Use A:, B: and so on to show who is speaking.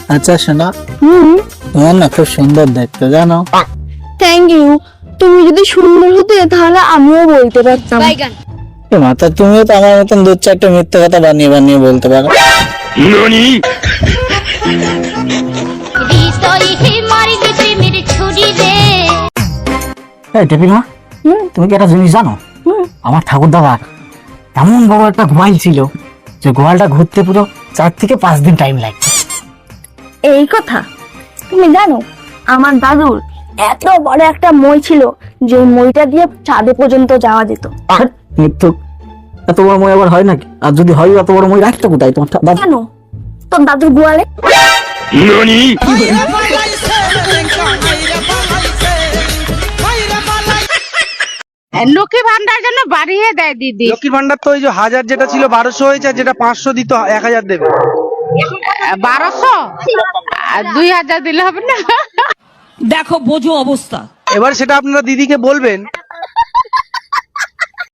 A: আচ্ছা শোনা, তোমার না খুব সুন্দর দেখতে, জানো?
B: Thank you. তুমি যদি সুন্দর হতে তাহলে আমিও বলতে পারতাম।
A: মাতা, তুমিও তো আমার মতন দু চারটে মিথ্যে কথা বানিয়ে বানিয়ে বলতে পারো।
C: টেপিমা, তুমি কি একটা জিনিস জানো? আমার ঠাকুর দাদার এমন বড় একটা গোয়াল ছিল যে গোয়ালটা ঘুরতে পুরো 4 থেকে 5 দিন টাইম লাগতো।
B: এই কথা তুমি জানো? আমার দাদুর এত বড় একটা মই ছিল যে মইটা দিয়ে চাঁদে পর্যন্ত যাওয়া যেত।
C: মৃত্যু, এত বড় মই আবার হয় নাকি? আর যদি হয় এত বড় মই রাখতো কোথায় তোমার দাদা?
B: কেন? তোর দাদুর গোয়ালে।
D: লক্ষ্মী ভান্ডার জন্য বাড়িয়ে দেয় দিদি।
E: লক্ষ্মীর ভান্ডার তো ওই যে 1000 যেটা ছিল 1200 হয়েছে, আর যেটা 500 দিত 1000 দেবে।
D: 1200 আর 2000 দিলে হবে না?
F: দেখো বোঝো অবস্থা।
E: এবার সেটা আপনারা দিদিকে বলবেন